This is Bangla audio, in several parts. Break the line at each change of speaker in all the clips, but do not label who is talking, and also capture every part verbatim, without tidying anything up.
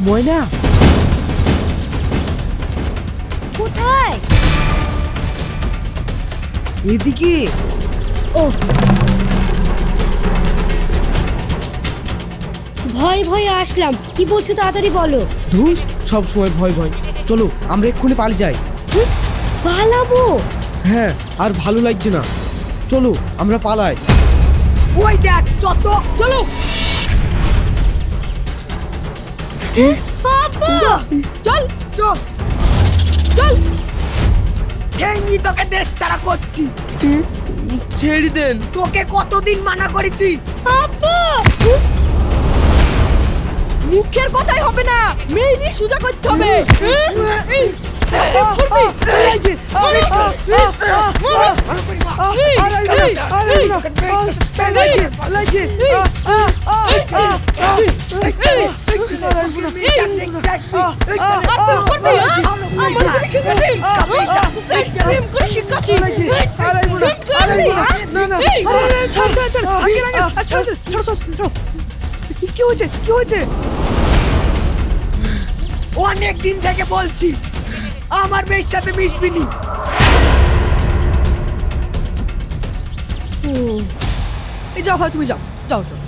ময়না
কোথায়?
এদিকে।
ও ভয় ভয়ে আসলাম, কি বলছো তাড়াতাড়ি বলো।
ধুর, সব সময় ভয় ভয়। চলো আমরা এক্ষুনি পালিয়ে যাই।
পালাবো?
হ্যাঁ, আর ভালো লাগছে না। চলো আমরা পালাই।
ওই দেখ যত
চলো। আব্বা! চল
চল
চল।
এই নি তোকে দেশ ছাড়া করছি।
ছেড়ে দেন।
তোকে কতদিন মানা করেছি।
আব্বা! মুখের কথাই হবে না, মেইলি সুজা করতে হবে।
কি হয়েছে কি হয়েছে?
অনেক দিন থেকে বলছি আমার মেয়ের সাথে মিশবি নি।
এই যাও ভাই, তুমি যাও যাও যাও।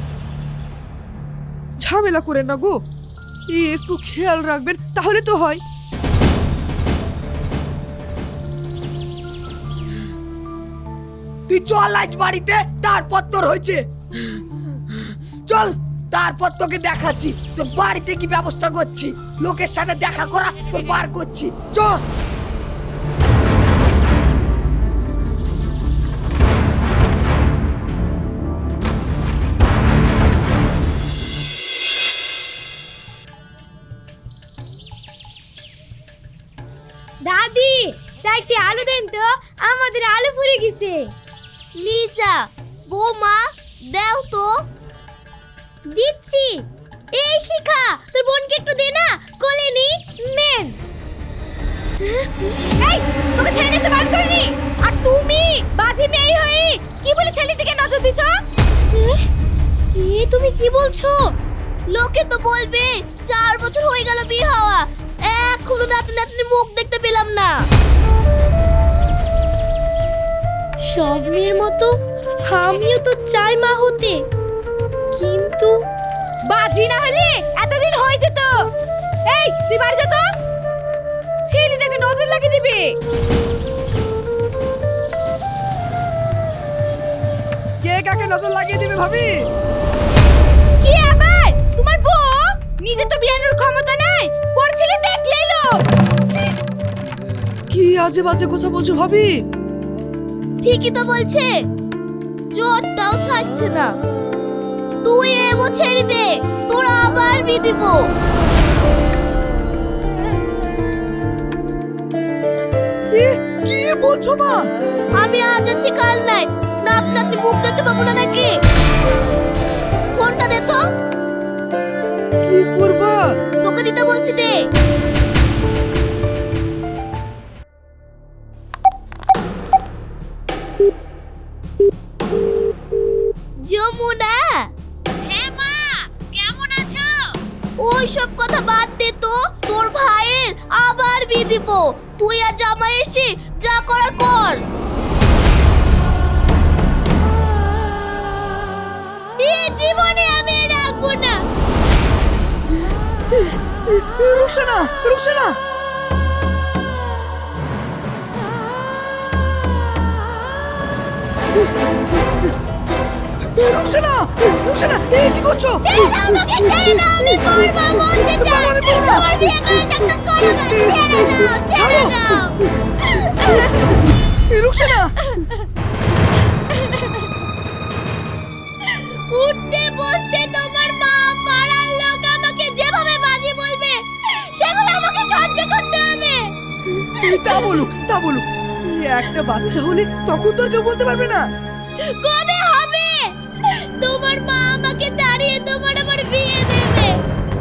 ঝামেলা করেন না গো, এই একটু খেয়াল রাখবেন তাহলে তো হয়।
তুই চল আজ বাড়িতে, তারপর তোর হয়েছে। চল, তারপর তোকে দেখাচ্ছি তোর বাড়িতে কি ব্যবস্থা করছি। লোকের সাথে দেখা করা তোর বার করছি। চল।
দাদি, চারটি আলু দেন তো, আমাদের আলু ফুরে গেছে। লিজা, বৌমা দাও তো। দিচ্ছি। এই শিখা, তোর বোনকে একটু দে না, কোলে নি। নেন। এই, তোকে ছেড়ে দিতে বারণ করিনি। আর তুমি বাজি মেয়ে হয়ে কি বলে ছেলের দিকে নজর দিছো? এ তুমি কি বলছো? লোকে তো বলবে চার বছর হয়ে গেল বিয়ে হওয়া, এখনো নাতনি নাতনি মুখ দেখতে পেলাম না। সব মেয়ের মতো আমিও তো চাই মা হতে, কিন্তু বাজি না হলে এতদিন হয়ে যেত। এই তুই বাড়ি যা তো, ছেলেটাকে নজর লাগিয়ে দিবি।
কে কাকে নজর লাগিয়ে দিবে ভাবি?
কি আবার তোমার বউ? নিজে তো বিয়ানোর ক্ষমতা নাই, পর ছেলে দেখলেই লোক।
কি আজে বাজে কথা বলছো ভাবি?
ঠিকই তো বলছে, জোরটাও ছাড়ছে না। তুই এমো ছেড়ে দে, তোরা আবার বিয়ে দিব।
কি বলছো মা?
আমি আজ আছি কাল নাই, নাক নাতনি মুখ দেখতে পাবো না নাকি? ফোনটা দে তো।
কি করবা?
তোকে দিতে বলছি, দে। যমুনা। হ্যাঁ মা, কেমন আছো? ওই সব কথা বাদ দে তো, তোর ভাইয়ের আবার বিয়ে দিব। তুই আর জামাই এসে যা করার কর। এই জীবনে আমি রাখবো না।
রুশানা, রুশানা, রুশানা, রুশানা, এই কি করছো?
ছেড়ে দাও আমাকে, ছেড়ে দাও, আমি করবো মরতে চাই। তোমার বিয়ে করে একটা করো না, ছেড়ে দাও, ছেড়ে দাও।
রুশানা,
উঠতে বসতে তোমার মা পাড়ার লোক আমাকে যেভাবে বাজি বলবে সেগুলো আমাকে সহ্য করতে হবে।
তা বলুক তা বলুক, একটা বাচ্চা হলে তখন তোর কেউ বলতে পারবে না।
কবে হবে তোমার মা আমাকে দাঁড়িয়ে তোমার আমার বিয়ে দেবে?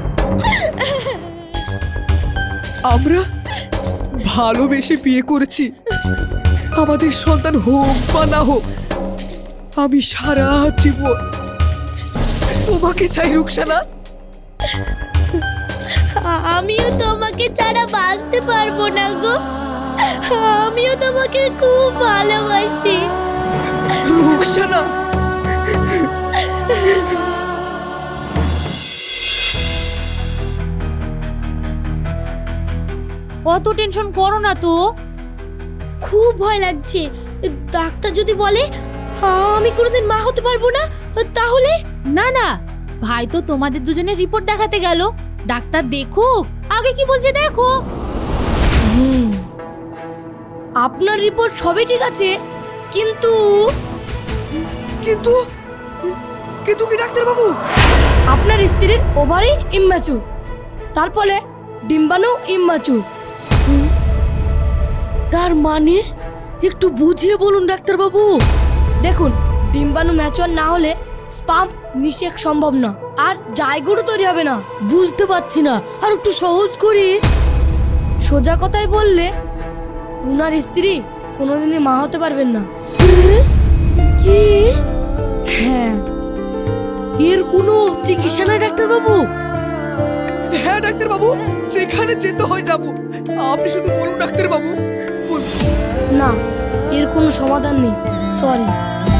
আমরা ভালোবেসে বিয়ে করেছি, আমাদের সন্তান হোক বা না হোক আমি সারা জীবন তোমাকে চাই রুকসানা।
আমিও তোমাকে ছাড়া বাঁচতে পারবো না গো। আমিও তোমাকে খুব ভালোবাসি।
রুকসানা,
অত টেনশন করো না তো। খুব ভয় লাগছে। ডাক্তার যদি বলে আমি কোনোদিন মা হতে পারবো না, তাহলে? না না, ভাই তো তোমাদের দুজনের রিপোর্ট দেখাতে গেল। ডাক্তার দেখুক, আগে কি বলছে দেখো। হুম, আপনার রিপোর্ট সবই ঠিক আছে, কিন্তু
কিন্তু কিন্তু কি ডাক্তার বাবু?
আপনার স্ত্রীর ওভারি ইম্যাচুর, তারপরে ডিম্বাণু ইম্যাচুর।
তার মানে একটু বুঝিয়ে বলুন ডাক্তার বাবু।
দেখুন, ডিম্বাণু ম্যাচুয়ার না হলে স্পাম নিষেক সম্ভব না, আর জায়গুলো তৈরি হবে না।
বুঝতে পারছি না, আর একটু সহজ করে।
সোজা কথায় বললে উনার স্ত্রী কোনোদিনই মা হতে পারবেন না।
কি?
হ্যাঁ,
এর কোনো চিকিৎসা নাই ডাক্তার বাবু?
হ্যাঁ ডাক্তার বাবু, যেখানে যেতে হয় যাব। আপনি শুধু বলুন ডাক্তার বাবু, বলুন।
না, এর কোনো সমাধান নেই, সরি।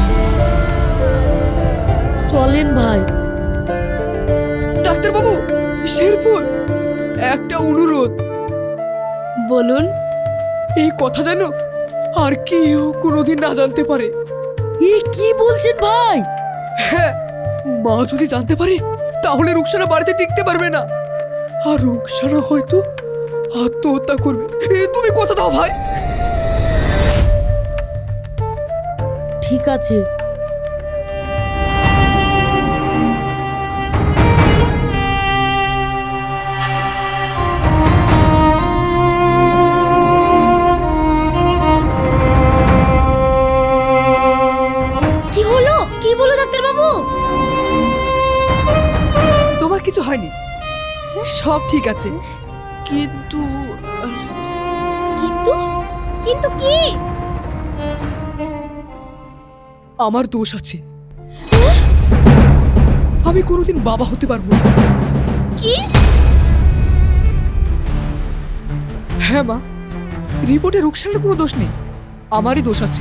চলেন ভাই।
ডাক্তার বাবু, শেরপুর, একটা অনুরোধ।
বলুন।
এই কথা যেন আর কেউ কোনোদিন না জানতে পারে।
এ কি বলছেন ভাই?
হ্যাঁ, মা যদি জানতে পারে তাহলে রুকসানা বাড়িতে টিকতে পারবে না, আর রুকসানা হয়তো আত্মহত্যা করবে। এ তুমি কথা দাও ভাই।
ঠিক আছে।
কি হলো? কি বলো ডাক্তার বাবু?
তোমার কিছু হয়নি, সব ঠিক আছে। কিন্তু
কিন্তু কিন্তু কি?
আমার দোষ আছে। আমি কোনোদিন বাবা হতে পারবো না।
কি?
হ্যাঁ মা, রিপোর্টে রুকসানার কোনো দোষ নেই, আমারই দোষ আছে।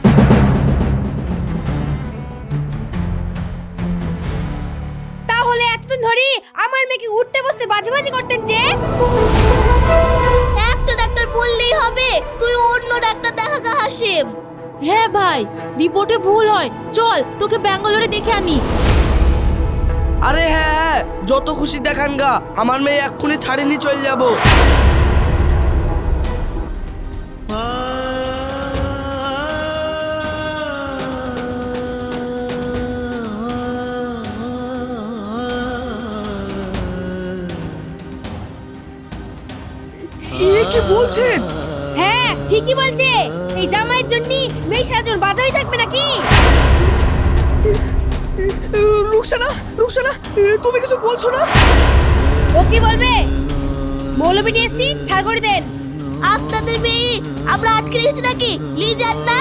তাহলে এতদিন ধরে আমার মেয়েকে উঠতে বসতে বাজে করতেন যে? একটা ডাক্তার বললেই হবে, তুই অন্য ডাক্তার দেখা গা হাসিম। হ্যাঁ ভাই, রিপোর্টে ভুল হয়, চল তোকে ব্যাঙ্গালোরে দেখে আনি।
আরে হ্যাঁ হ্যাঁ, যত খুশি দেখান গা, আমার মেয়ে এক্ষুনি ছাড়েনি চলে যাব।
এ কি বলছেন?
হ্যাঁ, ঠিকই বলছে। এই জামাইয়ের জন্য মেয়ে সারাজন বাজাই থাকবে নাকি?
রুকসানা, রুকসানা, এ, তুমি কিছু বলছো না?
ও কি বলবে? মৌলবি নিয়ে এসছি, ছাড় করে দেন। আপনাদের মেয়ে আমরা আটকে রেখেছি নাকি? লি যান না।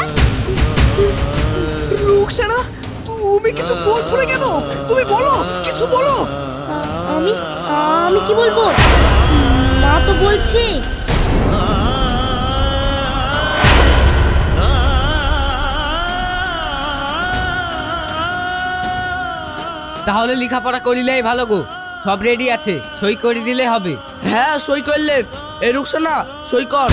রুকসানা, তুমি কিছু বলছো না কেন? তুমি বলো, কিছু বলো।
আমি আমি কি বলবো? মা তো বলছে।
তাহলে লেখাপড়া করিলেই ভালো গো, সব রেডি আছে, সই করে দিলে হবে।
হ্যাঁ সই করলেন। এ রুকসানা সই কর।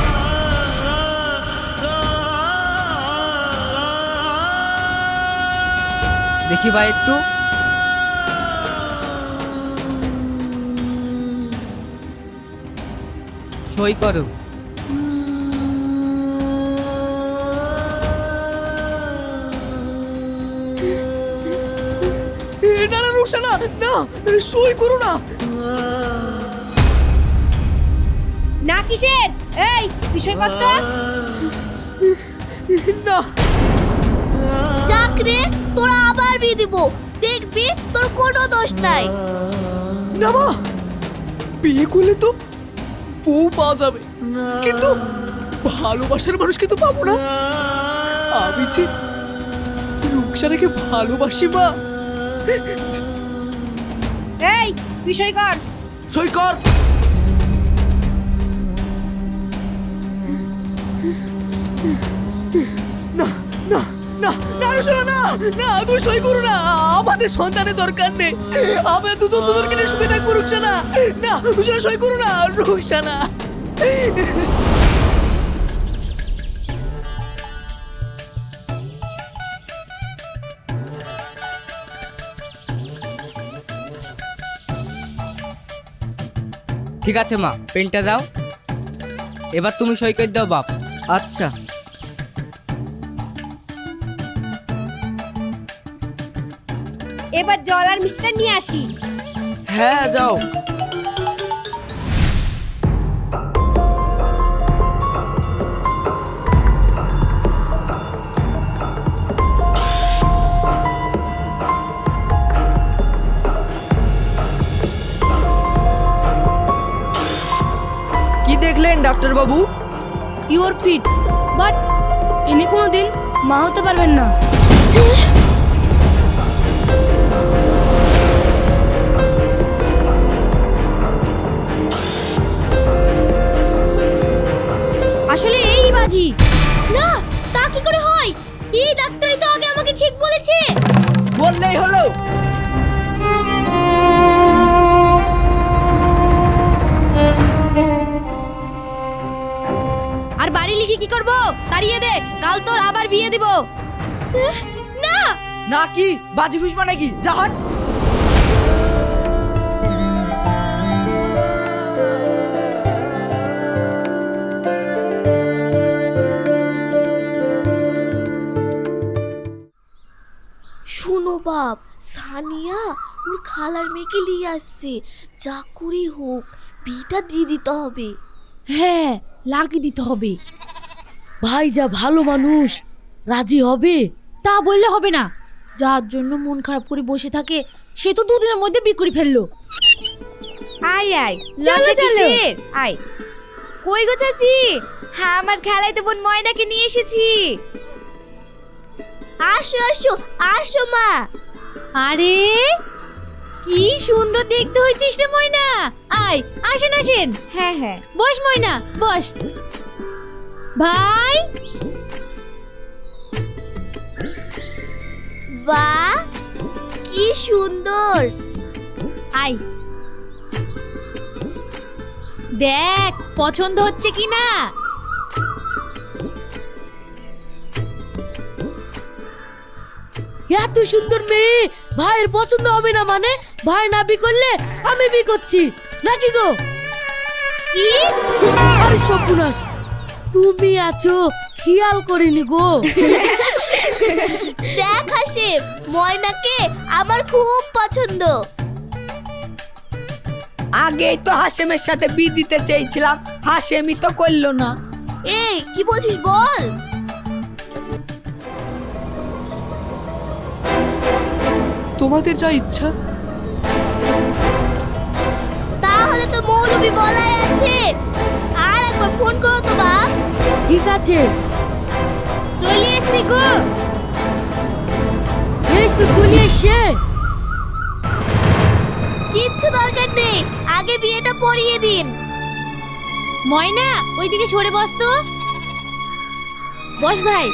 দেখি ভাই একটু। সই করো।
এ, না না রুকসানা, না, এ, সই করো না।
না কিসের? এই বিষয় কত?
না,
চাকরি তোরা আবার বিয়ে দিব, দেখবি তোর কোনো দোষ নাই।
না মা, বিয়ে করলে তো বউ পাওয়া যাবে, কিন্তু ভালোবাসার মানুষকে তো পাবো না। আমি যে রুকসানাকে ভালোবাসি মা।
এই বিষয় কর।
সই কর।
না না না না রুকসানা, না না তুমি সই করো না, আমাদের সন্তানের দরকার নেই, আমরা দুজন দুজনকে নিয়ে সুখে থাকবো। রুকসানা, না রুকসানা সই করো না, রুকসানা।
ঠিক আছে মা, পেনটা দাও। এবার তুমি সই করে দাও বাপ।
আচ্ছা।
এবার জল আর মিষ্টিটা নিয়ে আসি।
হ্যাঁ যাও।
কি দেখলেন ডাক্তার বাবু?
ইউর ফিট, বাট ইনি কোনোদিন মা হতে পারবেন না। আসলে এই বাজি
না, তা কি করে হয়? এই ডাক্তারই তো আগে আমাকে ঠিক বলেছে।
বললেই হলো।
আর বাড়ি লিখে কি করব? তাড়িয়ে দে, কাল তোর আবার বিয়ে দিব।
না,
না কি বাজি বুঝবা নাকি? জাহাজ
শুনো বাপ, সানিয়া ওর খালার মেয়েকে নিয়ে আসছে, যা করে হোক বিটা দিয়ে দিতে হবে।
হ্যাঁ, লাগিয়ে দিতে হবে। ভাই যা ভালো মানুষ, রাজি হবে? তা বললে হবে না। যার জন্য মন খারাপ করে বসে থাকে সে তো দুদিনের মধ্যে বিয়ে করে ফেললো।
আয় আয়,
চলো,
লজ্জা
চলো।
কিসের? আয়। কই গো চাচি? হ্যাঁ, আমার খেলাইতে বোন ময়নাকে নিয়ে এসেছি। আসো আসো আসো মা।
আরে কি সুন্দর দেখতে হয়েছিস রে ময়না। আয়, আসেন আসেন।
হ্যাঁ হ্যাঁ,
বস ময়না, বস। ভাই,
বাহ কি সুন্দর।
আয় দেখ পছন্দ হচ্ছে কি না। এত সুন্দর মেয়ে ভাইয়ের পছন্দ হবে না মানে? ভাই না বি করলে আমি বি করছি নাকি গো? কি? আরে সপুনাস, তুমি আছো খেয়াল করিনি গো।
দেখ হাসিম, ময়নাকে আমার খুব পছন্দ।
আগেই তো হাশেমের সাথে বিয়ে দিতে চেয়েছিলাম, হাশেমই তো করলো না।
এই কি বলছিস বল।
তোমাদের যা ইচ্ছা।
তাহলে তো মৌলবি বলাই আছে। আর একবার ফোন করো তো বাপ।
ঠিক আছে,
চলে এসছি গো।
এই তো চলে এসে।
কিচ্ছু দরকার নেই, আগে বিয়েটা পড়িয়ে দিন।
ময়না ওইদিকে সরে বস তো। বস ভাই।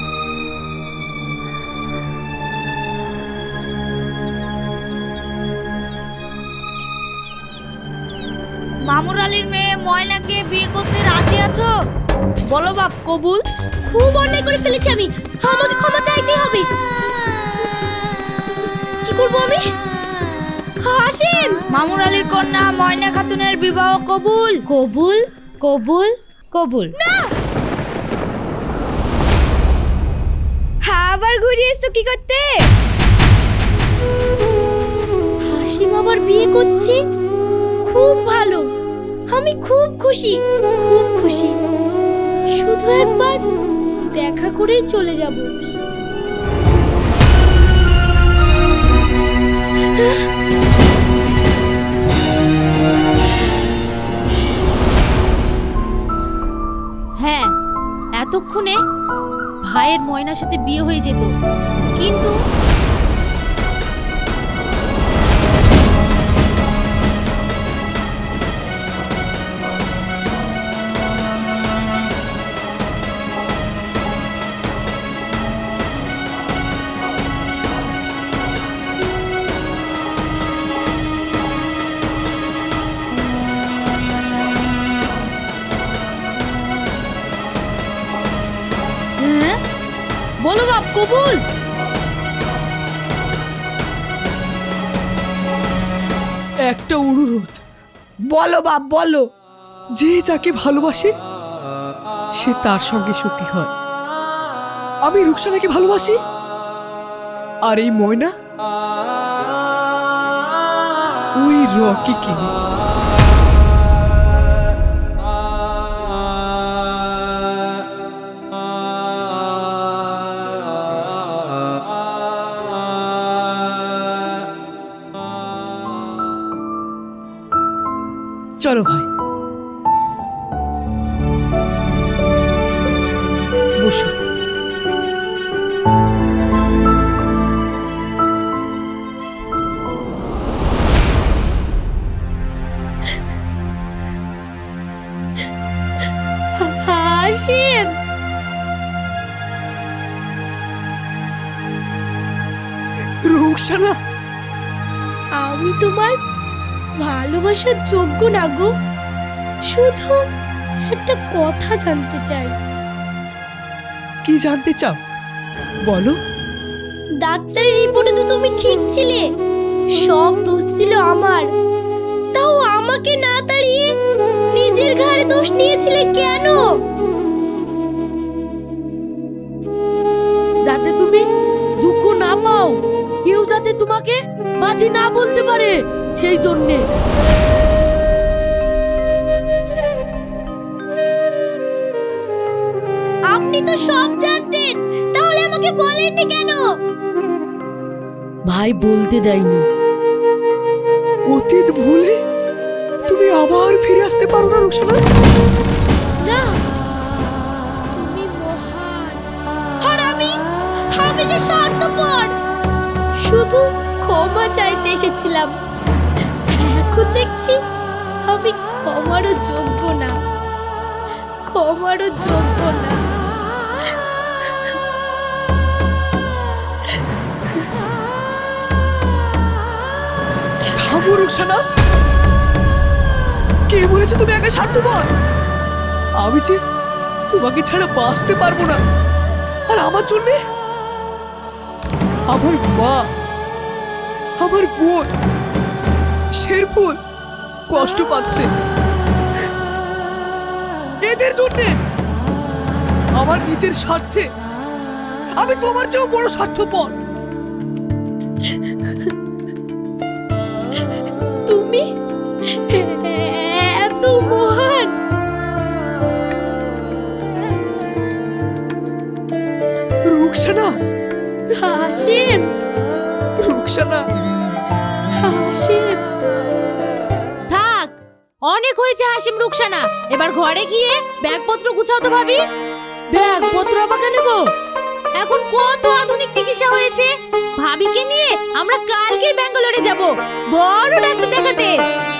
মামুর আলীর মেয়ে ময়নাকে বিয়ে করতে রাজি আছো?
বলো বাপ, কবুল।
খুব অন্যায় করে ফেলেছি আমি, আমাকে ক্ষমা চাইতেই হবে। কি করব আমি? আসেন।
মামুর আলীর কন্যা ময়না খাতুনের বিবাহ কবুল। কবুল কবুল কবুল।
আবার ঘুরে এসছো কি করতে? হাসিম আবার বিয়ে করছে, খুব ভালো। আমি খুব খুশি, খুব খুশি। শুধু একবার দেখা করেই চলে যাব।
হ্যাঁ, এতক্ষণে ভাইয়ের ময়নার সাথে বিয়ে হয়ে যেত, কিন্তু বলো বাপ কবুল।
একটা অনুরোধ,
বলো বাপ বলো।
যে যাকে ভালোবাসে সে তার সঙ্গে সুখী হয়। আমি রুকসানাকে ভালোবাসি, আর এই ময়না ওই রকিকে। চলো ভাই, বসো।
হাসিম,
রুকসানা,
আমি তোমার ভালোবাসার যোগ্য না গো। শুধু একটা কথা জানতে চাই।
কি জানতে চাও বলো।
ডাক্তারের রিপোর্টে তো তুমি ঠিক ছিলে, সব দোষ ছিল আমার। তাও আমাকে না তাড়িয়ে নিজের ঘাড়ে দোষ নিয়েছিলে কেন?
যাতে তুমি দুঃখ না পাও, কেউ যাতে তোমাকে বাজি না বলতে পারে, সেই জন্যে।
আপনি তো সব জানতেন, তাহলে আমাকে বলেননি কেন?
ভাই বলতে দেয়নি।
অতীত ভুলে তুমি আবার ফিরে আসতে পারো না রুকসানা।
না, তুমি মহান। আর আমি আমি যে স্বার্থপর, শুধু ক্ষমা চাইতে এসেছিলাম। এখন দেখছি আমি ক্ষমারও যোগ্য না, ক্ষমারও যোগ্য না।
থামো রুকসানা, কে বলেছে তুমি একা স্বার্থপর? আমি যে তোমাকে ছাড়া বাঁচতে পারবো না। আর আমার জন্যে আমার মা, আমার বোন শেরফুল কষ্ট পাচ্ছে। এদের জন্যে, আমার নিজের স্বার্থে আমি তোমার চেয়েও বড় স্বার্থপর।
তুমি এত মহান।
রুকসানা,
হাসিম,
রুকসানা,
হাসিম।
থাক, অনেক হয়েছে হাসিম রুকসানা। এবার ঘরে গিয়ে ব্যাগপত্র গুছাও তো ভাবি। ব্যাগপত্র আবার কেন গো? এখন কত আধুনিক চিকিৎসা হয়েছে। ভাবিকে নিয়ে আমরা কালকেই ব্যাঙ্গালোরে যাব বড় ডাক্তার দেখাতে।